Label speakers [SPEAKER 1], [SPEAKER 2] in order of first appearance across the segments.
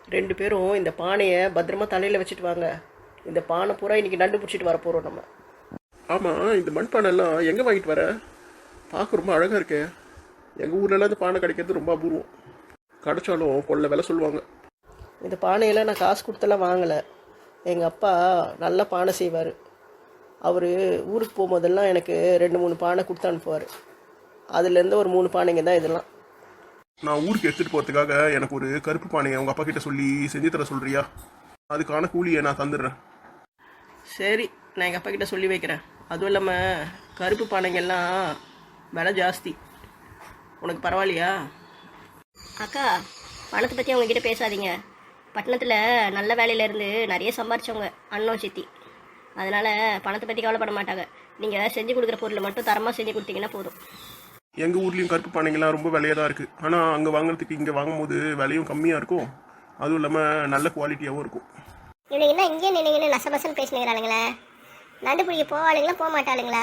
[SPEAKER 1] ரெண்டு பேரும் இந்த பானையை பத்திரமா தலையில் வச்சுட்டு வாங்க. இந்த பானை பூரா இன்னைக்கு நண்டு பிடிச்சிட்டு வர போகிறோம் நம்ம.
[SPEAKER 2] ஆமாம், இந்த மண்பானைலாம் எங்கே வாங்கிட்டு வர? பார்க்க ரொம்ப அழகாக இருக்கே. எங்கள் ஊர்லலாம் இந்த பானை கிடைக்கிறது ரொம்ப அபூர்வம். கிடைச்சாலும் கொள்ள விலை சொல்லுவாங்க.
[SPEAKER 1] இந்த பானையெல்லாம் நான் காசு கொடுத்தெல்லாம் வாங்கலை. எங்கள் அப்பா நல்ல பானை செய்வார். அவர் ஊருக்கு போகும்போதெல்லாம் எனக்கு 2-3 பானை கொடுத்து அனுப்புவார். அதுலேருந்து ஒரு 3 பானைங்க தான் இதெல்லாம்.
[SPEAKER 2] நான் ஊருக்கு எடுத்துகிட்டு போகிறதுக்காக எனக்கு ஒரு கருப்பு பானையை உங்கள் அப்பா கிட்ட சொல்லி செஞ்சு தர சொல்கிறியா? அதுக்கான கூலியை நான் தந்துடுறேன்.
[SPEAKER 1] சரி, நான் எங்கள் அப்பா கிட்ட சொல்லி வைக்கிறேன். அதுவும் இல்லாமல் கருப்பு பானைங்கெல்லாம் விலை ஜாஸ்தி. உனக்கு பரவாயில்லையா?
[SPEAKER 3] அக்கா, பணத்தை பற்றி அவங்கக்கிட்ட பேசாதீங்க. பட்டணத்தில் நல்ல வேலையிலேருந்து நிறைய சம்பாரிச்சவங்க அண்ணன் சித்தி. அதனால் பணத்தை பற்றி கவலைப்பட மாட்டாங்க. நீங்கள் செஞ்சு கொடுக்குற பொருளை மட்டும் தரமாக செஞ்சு கொடுத்தீங்கன்னா போதும்.
[SPEAKER 2] எங்கள் ஊர்லேயும் கருப்பு பானைங்கள்லாம் ரொம்ப விலையாக தான் இருக்குது. ஆனால் அங்கே வாங்குறதுக்கு இங்கே வாங்கும்போது விலையும் கம்மியாக இருக்கும். அதுவும் இல்லாமல் நல்ல குவாலிட்டியாகவும் இருக்கும்.
[SPEAKER 3] இவனுக்கு என்ன இங்கே நினைங்கன்னு நசபசன்னு பேசினுங்கிறாளுங்களே. நண்டு பிடிக்க போவாளுங்களா போக மாட்டாளுங்களா?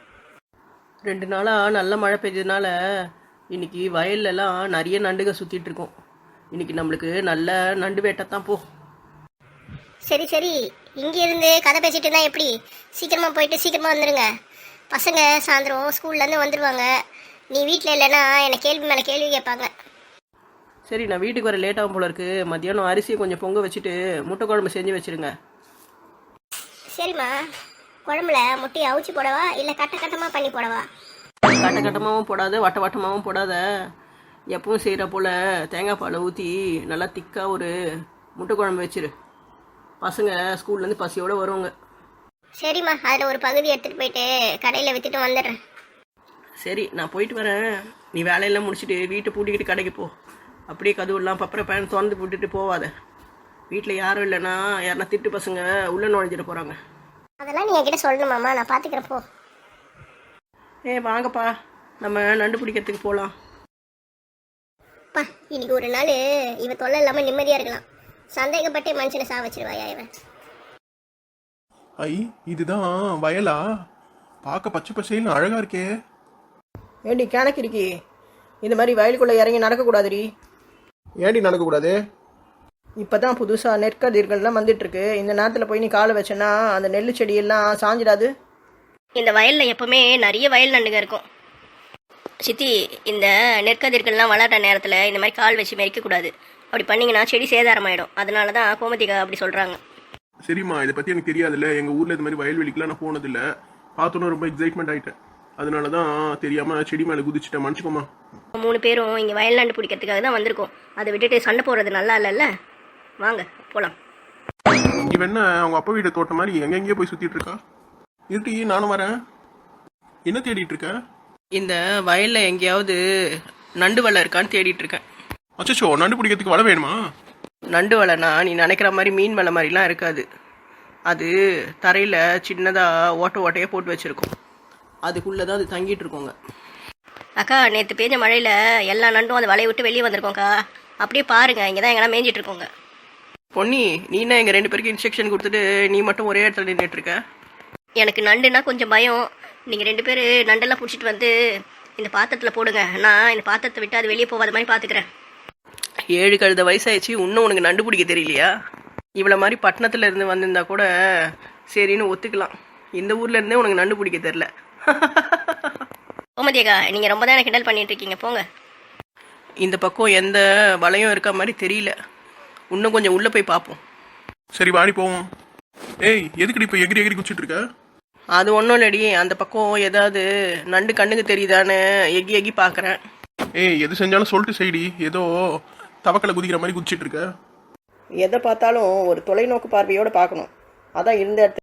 [SPEAKER 1] 2 நாளாக நல்ல மழை பெய்ஞ்சதுனால இன்னைக்கு வயல்லலாம் நிறைய நண்டுக சுற்றிட்டு இருக்கோம். இன்னைக்கு நம்மளுக்கு நல்ல நண்டு வேட்டைத்தான் போ.
[SPEAKER 3] சரி சரி, இங்கே இருந்து கதை பேசிட்டு இருந்தா எப்படி? சீக்கிரமாக போயிட்டு சீக்கிரமாக வந்துடுங்க. பசங்க சாயந்தரம் ஸ்கூல்லேருந்து வந்துடுவாங்க. நீ வீட்டில் இல்லைன்னா என்னை கேள்வி மேலே கேள்வி கேட்பாங்க.
[SPEAKER 1] சரி, நான் வீட்டுக்கு வர லேட்டாகும் போல இருக்கு. மத்தியானம் அரிசியை கொஞ்சம் பொங்க வச்சுட்டு முட்டை குழம்பு செஞ்சு வச்சுருங்க.
[SPEAKER 3] சரிம்மா, குழம்புல முட்டையை அவிச்சு போடவா இல்லை கட்டமாக பண்ணி போடவா?
[SPEAKER 1] கட்டமாகவும் போடாத, வட்டமாகவும் போடாத. எப்பவும் செய்கிற போல் தேங்காய் பாலை ஊற்றி நல்லா திக்காக ஒரு முட்டை குழம்பு வச்சிரு. பசங்க ஸ்கூல்லேருந்து பசியோடு வருவாங்க.
[SPEAKER 3] சரிம்மா, அதில் ஒரு பகுதி எடுத்துகிட்டு போயிட்டு கடையில் விற்றுட்டு வந்துடுறேன்.
[SPEAKER 1] சரி, நான் போயிட்டு வரேன். நீ வேலையெல்லாம் முடிச்சுட்டு வீட்டை பூட்டிக்கிட்டு கடைக்கு போ. அப்படியே கதவுலாம் பப்பரை பேன் திறந்து போட்டுட்டு போவாத. வீட்டில் யாரும் இல்லைன்னா யாருன்னா திட்டு பசங்க உள்ளே நுழைஞ்சிட போகிறாங்க.
[SPEAKER 3] அதெல்லாம் நீ என்கிட்ட சொல்லணுமாம்மா, நான் பார்த்துக்கிறேன் போ.
[SPEAKER 1] வாங்கப்பா, நம்ம நண்டு பிடிக்கிறதுக்கு போகலாம்.
[SPEAKER 3] பா, இன்னைக்கு ஒரு நாள் இவ தொல்லை இல்லாமல் நிம்மதியாக இருக்கலாம். சந்தேகப்பட்டே மனுஷனை சா வச்சிருவாயா இவன்?
[SPEAKER 2] ஐ, இதுதான் வயலா? பார்க்க பச்சை பசைன்னு அழகாக இருக்கே.
[SPEAKER 1] ஏண்டி கணக்கு இருக்கி, இந்த மாதிரி வயலுக்குள்ளே இறங்கி நடக்கக்கூடாதுடி.
[SPEAKER 2] ஏண்டி நடக்கக்கூடாது?
[SPEAKER 1] இப்போ தான் புதுசாக நெற்கதிர்கள்லாம் வந்துட்டுருக்கு. இந்த நேரத்தில் போய் நீ காலை வச்சேன்னா அந்த நெல் செடியெல்லாம் சாஞ்சிடாது?
[SPEAKER 3] இந்த வயலில் எப்போவுமே நிறைய வயல் நண்டுங்க இருக்கும் சித்தி. இந்த நெற்கதிர்கள்லாம் வளர்கிற நேரத்தில் இந்த மாதிரி கால் வச்சு மெரிக்கக்கூடாது. அப்படி பண்ணிங்கன்னா செடி சேதாரமாயிடும். அதனால தான் கோமதிகா அப்படி சொல்கிறாங்க.
[SPEAKER 2] சரிம்மா, இதை பற்றி எனக்கு தெரியாதுல்ல. எங்கள் ஊரில் இந்த மாதிரி வயல்வெளிக்கெலாம் நான் போனதில்லை. பார்த்தோன்னா ரொம்ப எக்ஸைட்மெண்ட் ஆகிட்டேன். அதனால தான் தெரியாமல் செடி மேலே குதிச்சுட்டேன், மன்னிச்சுக்கோமா.
[SPEAKER 3] 3 பேரும் இங்கே வயல் நண்டு பிடிக்கிறதுக்காக தான் வந்திருக்கோம். அதை விட்டுட்டு சண்டை போடுறது நல்லா இல்லைல்ல. வாங்க போகலாம்.
[SPEAKER 2] இவன் என்ன அவங்க அப்பா வீட்டை தோட்ட மாதிரி எங்கெங்கேயோ போய் சுற்றிட்டு இருக்கா? இருட்டி, நானும் வரேன். என்ன தேடிட்டு இருக்க?
[SPEAKER 1] இந்த வயலில் எங்கேயாவது நண்டு வலை இருக்கான்னு தேடிட்டு இருக்கேன்.
[SPEAKER 2] அச்சோ, நண்டு பிடிக்கிறதுக்கு வலை வேணுமா?
[SPEAKER 1] நண்டு வலைனா நீ நினைக்கிற மாதிரி மீன் வலை மாதிரிலாம் இருக்காது. அது தரையில் சின்னதாக ஓட்டையாக போட்டு வச்சுருக்கோம். அதுக்குள்ளே தான் அது தங்கிட்டு இருக்கோங்க.
[SPEAKER 3] அக்கா, நேற்று பெய்ஞ்ச மழையில் எல்லா நண்டும் அந்த வலையை விட்டு வெளியே வந்திருக்கோங்க்கா. அப்படியே பாருங்க, இங்கே தான் எங்கன்னா மேய்ஞ்சிட்டு இருக்கோங்க.
[SPEAKER 1] பொன்னி, நீ என்ன எங்கள் 2 பேருக்கு இன்ஸ்ட்ரக்ஷன் கொடுத்துட்டு நீ மட்டும் ஒரே இடத்துல நின்றுட்டு இருக்க?
[SPEAKER 3] எனக்கு நண்டுன்னா கொஞ்சம் பயம். நீங்கள் 2 பேர் நண்டெல்லாம் பிடிச்சிட்டு வந்து இந்த பாத்திரத்தில் போடுங்க. நான் இந்த பாத்திரத்தை விட்டு அது வெளியே போகாத மாதிரி பார்த்துக்கிறேன்.
[SPEAKER 1] 7 கழுத வயசாயிடுச்சு, இன்னும் உனக்கு நண்டு பிடிக்க தெரியலையா? இவ்வளோ மாதிரி பட்டணத்தில் இருந்து வந்திருந்தா கூட சரின்னு ஒத்துக்கலாம். இந்த ஊரில் இருந்தே உனக்கு நண்டு பிடிக்க தெரில.
[SPEAKER 3] கோமதியக்கா, நீங்கள் ரொம்ப தான் கிண்டல் பண்ணிட்டு இருக்கீங்க, போங்க.
[SPEAKER 1] இந்த பக்கம் எந்த வலையும் இருக்க மாதிரி தெரியல. இன்னும் கொஞ்சம் உள்ளே போய் பார்ப்போம்.
[SPEAKER 2] சரி, வாடி போவோம். ஏய், எதுக்கடி இப்போ எகிரி எகிரி குச்சிட்டு இருக்க?
[SPEAKER 1] அது ஒன்றும் இல்லடி, அந்த பக்கம் ஏதாவது நண்டு கண்ணுக்கு தெரியுதான்னு எகி எகி பார்க்குறேன்.
[SPEAKER 2] ஏய், எது செஞ்சாலும் சொல்லிட்டு செய்டி. ஏதோ தவக்கலை குதிக்கிற மாதிரி குதிச்சிட்டு இருக்க.
[SPEAKER 1] எதை பார்த்தாலும் ஒரு தொலைநோக்கு பார்வையோடு பார்க்கணும். அதான் இந்த இடத்துல